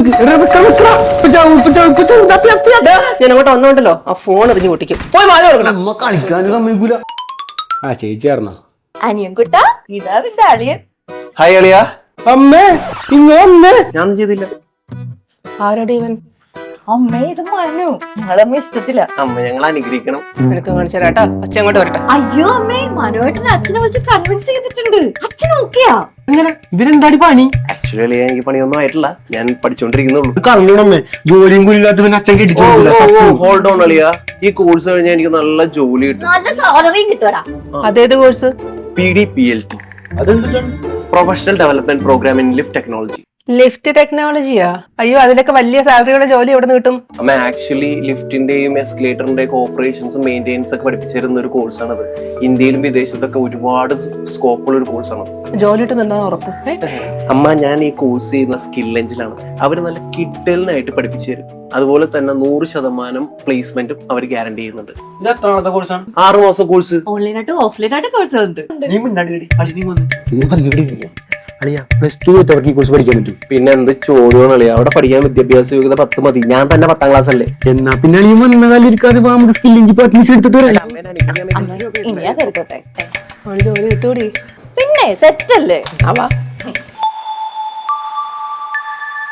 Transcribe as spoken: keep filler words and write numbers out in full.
ഞാൻ അങ്ങോട്ട് വന്നോണ്ടല്ലോ ആ ഫോൺ എറിഞ്ഞു പൊട്ടിക്കും. പോയി മാല കൊടുക്കണം. അമ്മ കളിക്കാനും സമ്മതിക്കൂല. ആ ചേച്ചിയായിരുന്നോ? അനിയൻകുട്ട, ഇതാ നിന്റെ അളിയൻ. ഹായ് അളിയ. അമ്മേ ഇങ്ങ വന്നേ. ഞാനൊന്നും ചെയ്തില്ല. ആരോടെ ഇവൻ? അമ്മേ, ഇത് മനു. ഞങ്ങളമ്മ ഇഷ്ടത്തില്ല. അമ്മ ഞങ്ങൾ അനുഗ്രഹിക്കണം. നിനക്ക് കാണിച്ചു തരാട്ടോ. അച്ഛൻ അങ്ങോട്ട് വരട്ടെ. അയ്യോ അമ്മേ, മനുവേട്ടനെ അച്ഛനെ വിളിച്ച് കൺവിൻസ് ചെയ്തിട്ടുണ്ട്. അച്ഛൻ നോക്കിയാ എങ്ങനെ ഇവരെന്താടി പണി? ആക്ച്വലി അളിയ എനിക്ക് പണിയൊന്നും ആയിട്ടില്ല, ഞാൻ പഠിച്ചോണ്ടിരിക്കുന്നുള്ളൂ. കറങ്ങണമ്മേ, ജോലിയും കൂലില്ലാത്തവൻ അച്ഛൻ കെട്ടിച്ചു. ഹോൾഡ് ഓൺ അളിയ, ഈ കോഴ്സ് കഴിഞ്ഞാൽ എനിക്ക് നല്ല ജോലി കിട്ടും. നല്ല സാലറിയും കിട്ടുവടാ. അതേത് course? P D P L T, professional development programme in lift technology. Lift ടെക്നോളജിയാ? അയ്യോ, അതിലൊക്കെ വലിയ സാലറിയുടെ ജോലി എവിടെ നിന്ന് കിട്ടും? അമ്മ ആക്ച്വലി ലിഫ്റ്റിന്റെയും എസ്കലേറ്ററിന്റെയും ഓപ്പറേഷൻസും മെയിൻ്റെനൻസ് ഒക്കെ പഠിപ്പിച്ചിരുന്ന ഒരു കോഴ്സാണത്. ഇന്ത്യയിലും വിദേശത്തൊക്കെ ഒരുപാട് സ്കോപ്പുള്ള ഒരു കോഴ്സാണ്. ജോലി കിട്ടുന്നുണ്ടാ ഉറപ്പ്? അമ്മ ഞാൻ ഈ കോഴ്സ് ചെയ്യുന്ന സ്കിൽ എഞ്ചിലാണ്. അവര് നല്ല കിഡലിനായിട്ട് പഠിപ്പിച്ചു തരും. അതുപോലെ തന്നെ നൂറ് ശതമാനം പ്ലേസ്മെന്റും അവർ ഗ്യാരണ്ടി ചെയ്യുന്നുണ്ട്. ഇത് എത്രാമത്തെ കോഴ്സാണ്? ആറ് മാസം കോഴ്സ്. ഓൺലൈനായിട്ട് ഓഫ്ലൈൻ ആയിട്ട് കോഴ്സ് ഉണ്ട്. പ്ലസ് ടു അവർക്ക് ഈ കോഴ്സ് പഠിക്കാൻ പറ്റും. പിന്നെ എന്ത് ചോദ്യമാണ് അളിയ, അവിടെ പഠിക്കാൻ വിദ്യാഭ്യാസ യോഗ്യത പത്ത് മതി. ഞാൻ തന്നെ പത്താം ക്ലാസ് അല്ലേ. എന്നാ പിന്നെ നീ വന്ന കാലം ഇരിക്കാതെ നമുക്ക് സ്കില്ലിംഗ് അഡ്മിഷൻ എടുത്തിട്ട് വരാം. ഇനിയാ കരുതട്ടെ. അവന് ജോലി കിട്ടൂടി. പിന്നെ സെറ്റ് അല്ലേ? ആവാ.